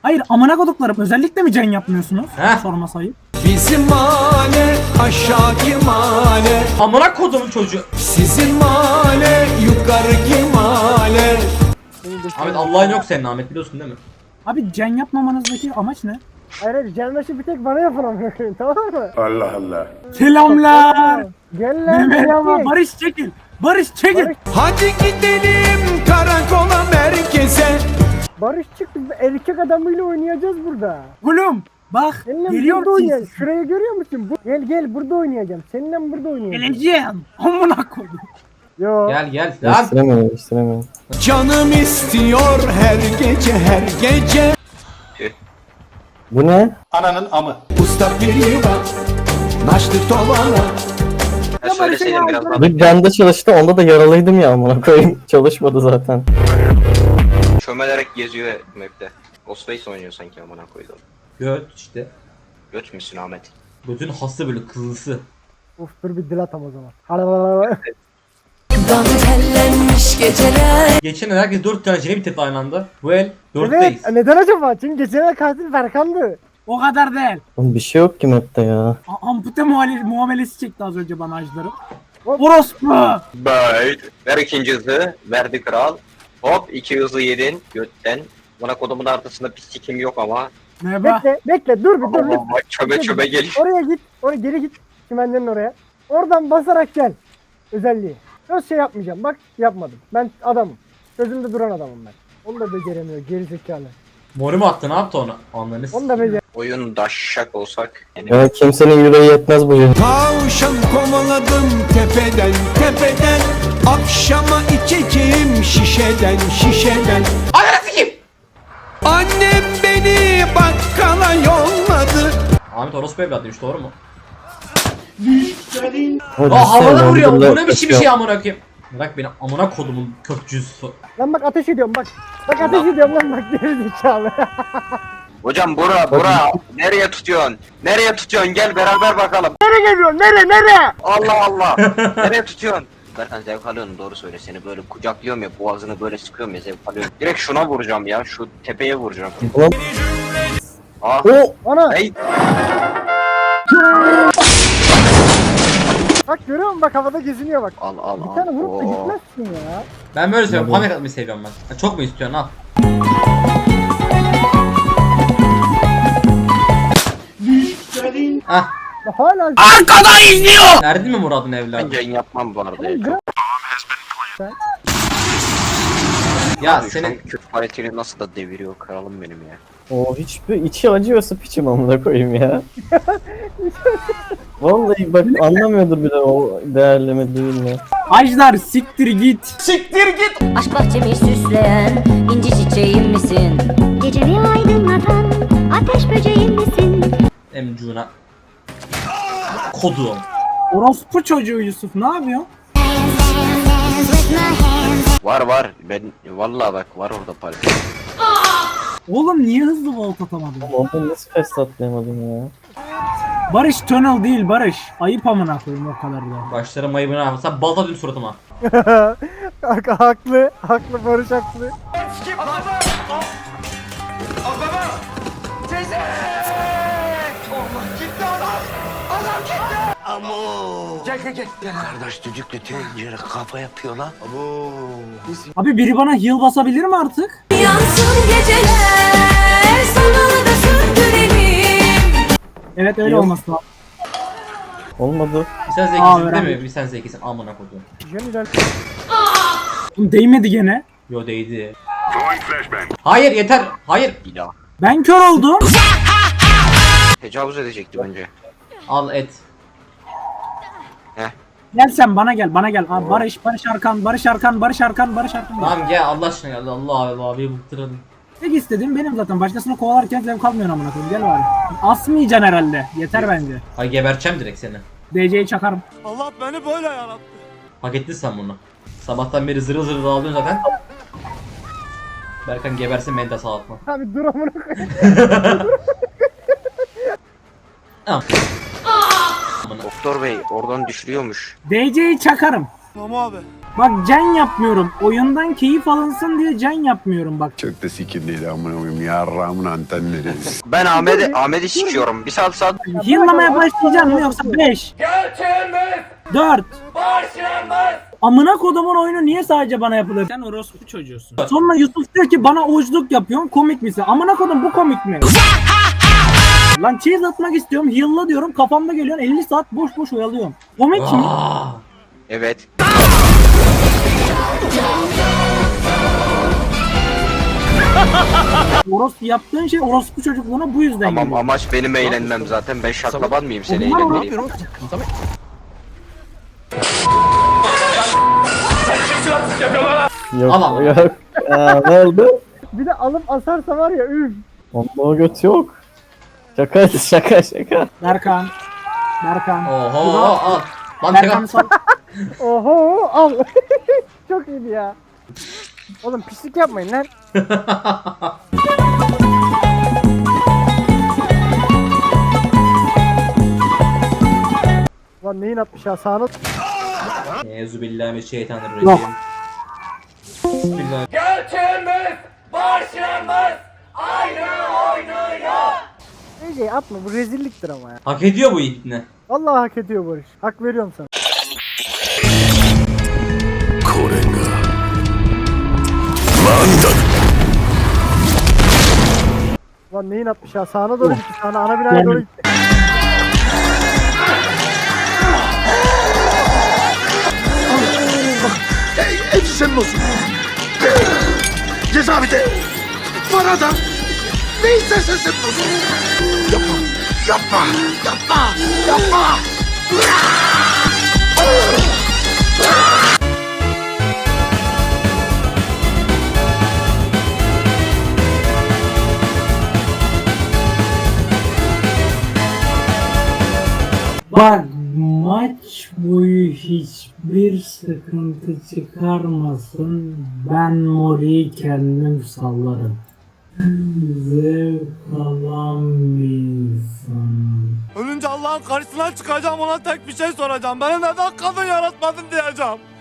Hayır amına koduklarım özellikle mi can yapmıyorsunuz? Heh. Sorma sayıp. Bizim mahalle aşağıki mahalle, Amına kodumun çocuğu. sizin mahalle yukarıki mahalle. Ahmet Allah'ın yok senin Ahmet biliyorsun değil mi? Abi can yapmamanızdaki amaç ne? Hayır gelmesi bir tek bana yapılan tamam mı? Selamlar. Gel lan Merhaba gel. Barış çekil. Barış çekil. Hadi gidelim karakola merkeze. Barış çıktı erkek adamıyla oynayacağız burada. Oğlum bak Seninle geliyor burada oynayacağız. musun? Şurayı görüyor musun? Gel burada oynayacağım. Seninle burada oynayacağım. Geleceğim. Amına kodum. Yo. Gel lan. Değiştiremiyorum. Canım istiyor her gece her gece. Bu ne? Usta biri var, naşlı tovana. Ya Söyleseydin biraz daha. Bir bende çalıştı, onda da yaralıydım ya amına koyayım. Çalışmadı zaten. Çömelerek geziyor map'te. Ghostface oynuyor sanki amına koydum. Göt işte. Göt müsün Ahmet? Götün hası böyle kızısı. Uf dur bir dil atam o zaman. Dantellenmiş geceler. Geçen el herkes 4 tane jeni bitirdi aynı anda. Bu el 4'teyiz. Evet neden acaba? Çünkü geçen katil Berkan'dı. O kadar değil. Oğlum bir şey yok ki map'te ya. Ampute muamelesi çekti az önce bana ajları. Hop. Orospu. Bye. Ver ikinci hızı. Verdi kral. Hop 2 hızı yedin götten. Bana kodumun arkasında pislikim yok ama. Merhaba. Bekle dur bir dur. Ama çöbe çöbe geliyor. Oraya git. Oraya geri git. Çimenlerin oraya. Oradan basarak gel. Özelliği. Söz şey yapmayacağım. Bak yapmadım. Ben adamım. Sözümde duran adamım ben. Onu da beceremiyor. Geri zekalı. Moru mu attı ne yaptı onu? Anlarını Onu da becer. Oyun daşşak olsak. Yani Ya kimsenin yüreği yetmez bu yıl. Tavşan kovaladım tepeden tepeden. Akşama içeceğim şişeden. Ananı sikeyim. Annem beni bakkala yolladı. Ahmet orospu evladıymış doğru mu? Hadi Aa havada sen vuruyor. dondurma Bu ne biçim bir yapıyorsun. şey amına koyayım. Bırak beni amına kodumun kökcüsü. Lan bak ateş ediyorum bak. Bak ateş ediyorum lan bak geri zekalı. hocam bura nereye tutuyorsun? Nereye tutuyorsun? Gel beraber bakalım. Nereye geliyorsun? Nereye? Allah Allah. Nereye tutuyorsun? Berkan zevk alıyorsun doğru söyle seni böyle kucaklıyorum ya boğazını böyle sıkıyorum ya zevk alıyorum. Direkt şuna vuracağım ya şu tepeye vuracağım. Ulan- Ah. O Ana Hey. bak görüyor musun bak havada geziniyor bak. Al al Bir al. tane vurup da Oo. gitmezsin ya. Ben böyle seviyorum. Panik atmayı seviyorum ben. Ha, çok mu istiyorsun al. Ah. Hala Verdin mi Murat'ın evladı? Ben yayın yapmam bu arada ya. Gram- Ya Abi, şu an senin Kürt paletini nasıl da deviriyor kralım benim ya. o hiçbir içi acıyorsa piçim amına koyayım ya. Vallahi bak anlamıyordur bile o değerleme değil mi? Ajdar siktir git. Aşk bahçemi süsleyen inci çiçeğim misin? Gecemi aydınlatan ateş böceğim misin? emcuna. Kodum. Orospu çocuğu Yusuf ne yapıyor? Var ben vallahi bak var orada palet. Oğlum niye hızlı volt atamadın? Oğlum nasıl fest atlayamadım ya? Barış tunnel değil Barış. Ayıp amına koyayım o kadar da. Başlarım ayıbını ama sen balta dün suratıma. haklı. Haklı Barış haklı. Kardeş düdüklü tencere kafa yapıyor lan. Abi biri bana heal basabilir mi artık? Yansın geceler sana da söndürelim. Evet öyle Yok. olması lazım. Olmadı. Bir sen Aa, zekisin değil öğrendim. mi? Bir sen zekisin amına kodum. Jeniden. Oğlum değmedi gene. Yo değdi. Hayır yeter. Hayır. İlah. Ben kör oldum. Tecavüz edecekti bence. Al et. Gel sen bana gel bana gel. Abi Barış Arkan. Tamam gel Allah aşkına gel. Allah Allah bir bıktıralım. Tek istediğim benim zaten. Başkasını kovalarken zevk almıyorsun amına koyayım. Gel bari. Asmayacaksın herhalde. Yeter bence. Hay geberçem direkt seni. DC'yi çakarım. Allah beni böyle yarattı. Hak ettin sen bunu. Sabahtan beri zırıl zırıl ağlıyorsun zaten. Berkan gebersin beni de sağlatma. Abi dur amına koyayım. Doktor bey oradan düşürüyormuş. DC'yi çakarım. Tamam abi. Bak can yapmıyorum. Oyundan keyif alınsın diye can yapmıyorum bak. Çok da sikindiydi amına koyayım yarrağımın antenleri. Ben Ahmet'i sikiyorum. Bir saat. Heal'lamaya başlayacağım mı yoksa 5, 4. Amına kodumun oyunu niye sadece bana yapılır? Sen orospu çocuğusun. Sonra Yusuf diyor ki bana ojluk yapıyorsun, komik misin? Amına kodum bu komik mi? Lan cheese atmak istiyorum, heal'la diyorum, kafamda geliyorsun 50 saat boş boş oyalıyorum. Komik mi? Evet. Orospu yaptığın şey orospu çocukluğuna bu yüzden Tamam geliyor. amaç benim eğlenmem zaten. Ben şaklaban mıyım seni Bunlar eğlendireyim? Yok Aman. yok. Ne oldu? Bir de alıp asarsa var ya üf. Onda o göt yok. Şaka şaka. Berkan. Oho al. Lan Berkan tekrar. Oho al. Çok iyiydi ya. Oğlum pislik yapmayın lan. Lan neyin atmış ya sağına. Euzubillahimineşşeytanirracim. Yok. Bismillah. Ece atma bu rezilliktir ama ya. Hak ediyor bu itne. Vallahi hak ediyor Barış. Hak veriyorum sana. Lan neyin atmış ya sağına doğru gitti sağına ana binaya doğru gitti. Hepsi senin olsun. Cezaevinde. Bana da. Ne istersen senin olsun. Yapma. Bak maç boyu hiçbir sıkıntı çıkarmasın. Ben Mori'yi kendim sallarım. Zevk alan bir insanım. Ölünce Allah'ın karşısına çıkacağım ona tek bir şey soracağım. Beni neden kadın yaratmadın diyeceğim.